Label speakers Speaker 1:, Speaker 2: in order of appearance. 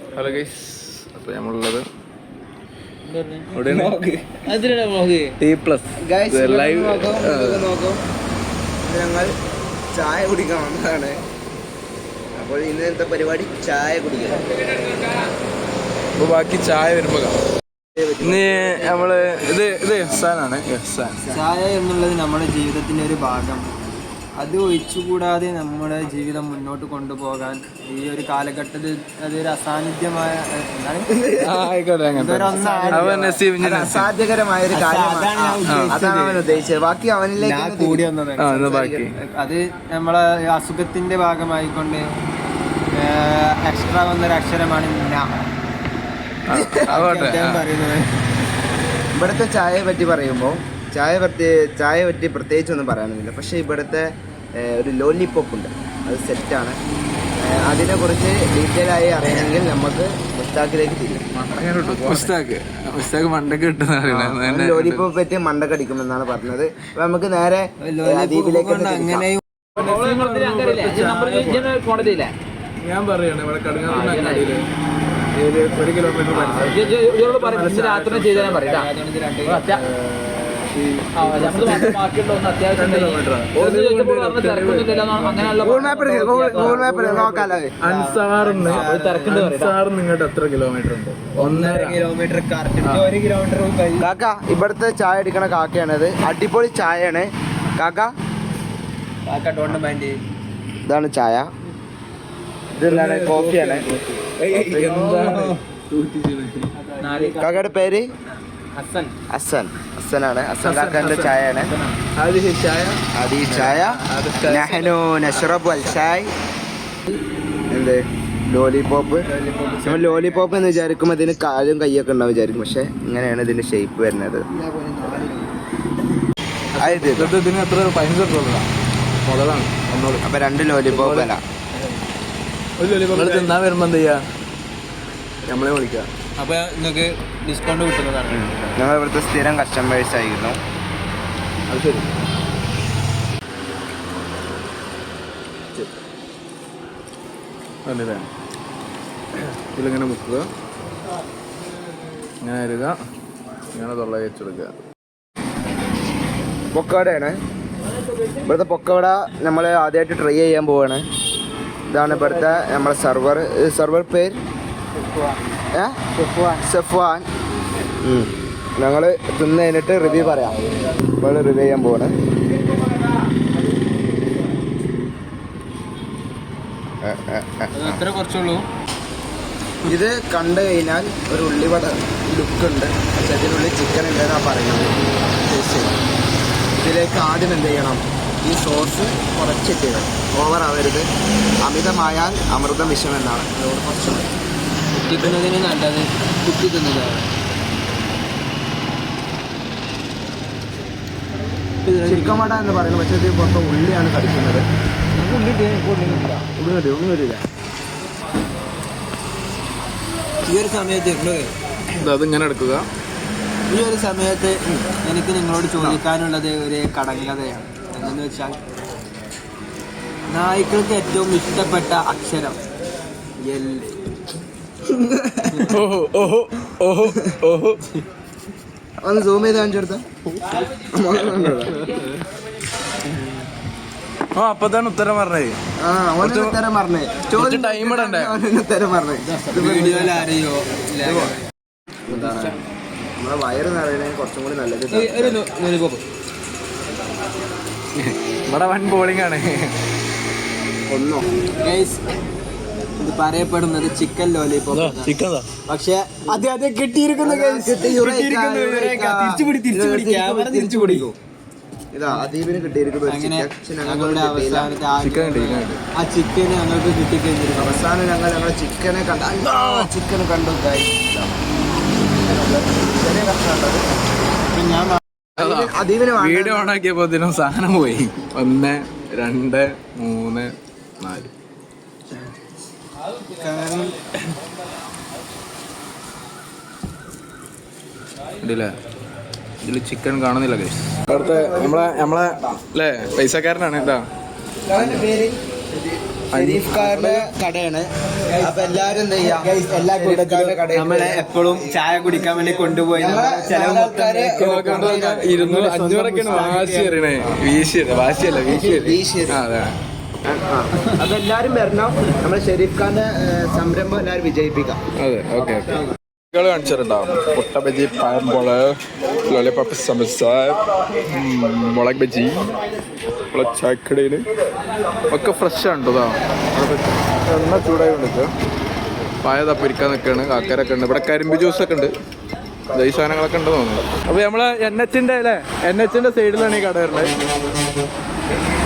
Speaker 1: Hello guys, അപ്പോൾ നമ്മളുള്ളത് live
Speaker 2: ഞങ്ങൾ ചായ കുടിക്കാൻ വന്നതാണ്. അപ്പോൾ ഇന്നത്തെ പരിപാടി ചായ കുടിക്കുക.
Speaker 1: അപ്പോൾ ബാക്കി ചായ വരുമ്പോൾ ഇന്ന് നമ്മള് ഇത് എഹ്സാനാണ്.
Speaker 2: ചായ എന്നുള്ളത് നമ്മുടെ ജീവിതത്തിൻ്റെ ഒരു ഭാഗം. അത് ഒഴിച്ചുകൂടാതെ നമ്മുടെ ജീവിതം മുന്നോട്ട് കൊണ്ടുപോകാൻ ഈ ഒരു കാലഘട്ടത്തിൽ അതൊരു അസാന്നിധ്യമായ അസാധ്യകരമായ ഒരു കാര്യമാണ്. അതാണ് അവൻ ഉദ്ദേശിച്ചത്. ബാക്കി അവനിലേക്ക് കൂടി വന്നത്. അത് നമ്മളെ അസുഖത്തിന്റെ ഭാഗമായിക്കൊണ്ട് എക്സ്ട്രാ വന്നൊരു അക്ഷരമാണ് പറയുന്നത്. ഇവിടുത്തെ ചായയെ പറ്റി പറയുമ്പോൾ ചായ പറ്റി പ്രത്യേകിച്ചൊന്നും പറയാനൊന്നുമില്ല. പക്ഷെ ഇവിടുത്തെ ഒരു ലോലിപോപ്പ് ഉണ്ട്, അത് സെറ്റാണ്. അതിനെക്കുറിച്ച് ഡീറ്റെയിൽ ആയി അറിയണമെങ്കിൽ നമുക്ക് മുസ്താഖിലേക്ക് തിരിയും. ലോലിപോപ്പ് പറ്റി മണ്ടക്ക് അടിക്കുമെന്നാണ് പറഞ്ഞത്. അപ്പൊ നമുക്ക് നേരെ ദ്വീപിലേക്ക്
Speaker 1: ഞാൻ പറയാണ് ഇവിടെ കടുങ്ങാത്തില് 1 കിലോമീറ്റർ നിങ്ങളുടെ എത്ര കിലോമീറ്റർ ഉണ്ട്? 1.5 കിലോമീറ്റർ.
Speaker 2: കാക്ക ഇവിടുത്തെ ചായ അടിക്കണ കാക്കയാണത്. അടിപൊളി ചായയാണ് കാക്ക. ഇതാണ് ചായ. ഇതെന്താണ്? കോഫിയാണ്. കാക്കയുടെ പേര് ഹസനാണ്. ഹസൻ കാക്കന്റെ ചായയാണ്. എന്ത് ലോലിപോപ്പ്? നമ്മൾ ലോലിപോപ്പ് എന്ന് വിചാരിക്കുമ്പോൾ ഇതിന് കാലും കൈയൊക്കെ ഉണ്ടാവും വിചാരിക്കും. പക്ഷെ ഇങ്ങനെയാണ് ഇതിന്റെ ഷേപ്പ് വരുന്നത്. അപ്പൊ 2 ലോലിപോപ്പ് അല്ല.
Speaker 1: തിന്നാൻ വരുമ്പോ എന്ത് ചെയ്യാ, നമ്മളെ വിളിക്കാം.
Speaker 2: അപ്പൊ നിങ്ങൾക്ക് ഡിസ്കൗണ്ട് കിട്ടുന്നതാണ്. ഞങ്ങൾ ഇവിടുത്തെ സ്ഥിരം കസ്റ്റമേഴ്സ് ആയിരുന്നു.
Speaker 1: അത് ശരി. ഇതിലിങ്ങനെ മുക്കുക, ഇങ്ങനെ അരുക, ഇങ്ങനെ തൊള്ള വെച്ചെടുക്കുക.
Speaker 2: പൊക്കവടയാണ്. ഇവിടുത്തെ പൊക്കവട നമ്മൾ ആദ്യമായിട്ട് ട്രൈ ചെയ്യാൻ പോവാണ്. ഇതാണ് ഇവിടുത്തെ നമ്മളെ സർവർ പേര് സെഫ്വാൻ. ഞങ്ങൾ തിന്ന് കഴിഞ്ഞിട്ട് റിവ്യൂ പറയാം. നമ്മൾ റിവ്യൂ ചെയ്യാൻ പോവാണ്. ഇത് കണ്ടു കഴിഞ്ഞാൽ ഒരു ഉള്ളിവട ലുക്കുണ്ട്. പക്ഷെ അതിനുള്ളിൽ ചിക്കൻ ഉണ്ടെന്നാണ് പറയുന്നത്. ഇതിലേക്ക് ആദ്യം എന്ത് ചെയ്യണം, ഈ സോസ് കുറച്ചിട്ട് ഓവർ ആവരുത്. അമിതമായാൽ അമൃതം വിഷം എന്നാണ്. അതുകൊണ്ട് കുറച്ചുണ്ട്. കുത്തിക്കുന്നതിന് നല്ലത് കുത്തി തിന്നതാണ്. ചിക്കൻ വട എന്ന് പറയുന്നത്. പക്ഷേ ഇത് പുറത്ത് ഉള്ളിയാണ് കടിക്കുന്നത്. ഒന്നും വരില്ല. ഈ ഒരു സമയത്ത്
Speaker 1: അതിങ്ങനെ എടുക്കുക.
Speaker 2: ഈ ഒരു സമയത്ത് എനിക്ക് നിങ്ങളോട് ചോദിക്കാനുള്ളത് ഒരു കടങ്കഥയാണ്. എന്തെന്ന് വെച്ചാൽ, നായ്ക്കൾക്ക് ഏറ്റവും ഇഷ്ടപ്പെട്ട അക്ഷരം എൽ. ഒന്ന് സൂം ചെയ്ത് കാണിച്ചെടുത്ത.
Speaker 1: അപ്പത്താണ് ഉത്തരം പറഞ്ഞത്.
Speaker 2: ഉത്തരം പറഞ്ഞേ.
Speaker 1: ടൈം ഇടണ്ടേ?
Speaker 2: ഉത്തരം പറഞ്ഞേ. വീഡിയോയിൽ ആരെയോ നമ്മളെ വയറ് നിറയുന്നതിന് കുറച്ചും കൂടി നല്ലത്.
Speaker 1: ഇവിടെ വൻ ബോളിംഗ് ആണ്.
Speaker 2: ഇത് പറയപ്പെടുന്നത് ചിക്കൻ ലോലിപോപ്പ്. പക്ഷെ അത് കിട്ടിയിരിക്കുന്നു. ഇതാ അദീപിന് കിട്ടിയിരിക്കുന്നു. ആ ചിക്കന് ഞങ്ങൾക്ക് കിട്ടിക്കഴിഞ്ഞിരിക്കും. അവസാനം ഞങ്ങൾ ചിക്കനെ കണ്ടു.
Speaker 1: വീഡിയോ ഓണാക്കിയപ്പോ ഇതിനും സാധനം പോയി. 1 2 3 4. ഇതില് ചിക്കൻ കാണുന്നില്ല. അവിടുത്തെ നമ്മളെ അല്ലേ പൈസക്കാരനാണ്. ഇതാ
Speaker 2: ഷെരീഫ് കാരന്റെ കടയാണ്. അപ്പൊ എല്ലാരും എന്താ ചെയ്യാ, എല്ലാ
Speaker 1: നമ്മളെ എപ്പോഴും ചായ കുടിക്കാൻ വേണ്ടി കൊണ്ടുപോയി ചില ആൾക്കാര് 200-500 വാശി അറിയണേ. വാശിയല്ല വീശി. അതെ.
Speaker 2: അപ്പൊ എല്ലാരും വരണം. നമ്മളെ ഷെരീഫ് ഖാന്റെ സംരംഭം എല്ലാരും വിജയിപ്പിക്കാം.
Speaker 1: അതെ, ഓക്കെ. കാണിച്ചിട്ടുണ്ടാവും മുട്ട ബജി, പഴംപോള്, ലോലിപോപ്പ്, സമോസ, മുളക് ബജി, ചായക്കടയിൽ ഒക്കെ ഫ്രഷ് ആണ് കേട്ടോ. എണ്ണ ചൂടായി കൊണ്ടിരിക്കുക. പായതാ പൊരിക്കാൻ നിൽക്കുകയാണ്. കാക്കരൊക്കെ ഉണ്ട് ഇവിടെ. കരിമ്പ് ജ്യൂസൊക്കെ ഉണ്ട്. ഈ സാധനങ്ങളൊക്കെ ഉണ്ട് തോന്നുന്നു. അപ്പോൾ നമ്മൾ NH-ന്റെ സൈഡിലാണ് ഈ കട വരുന്നത്.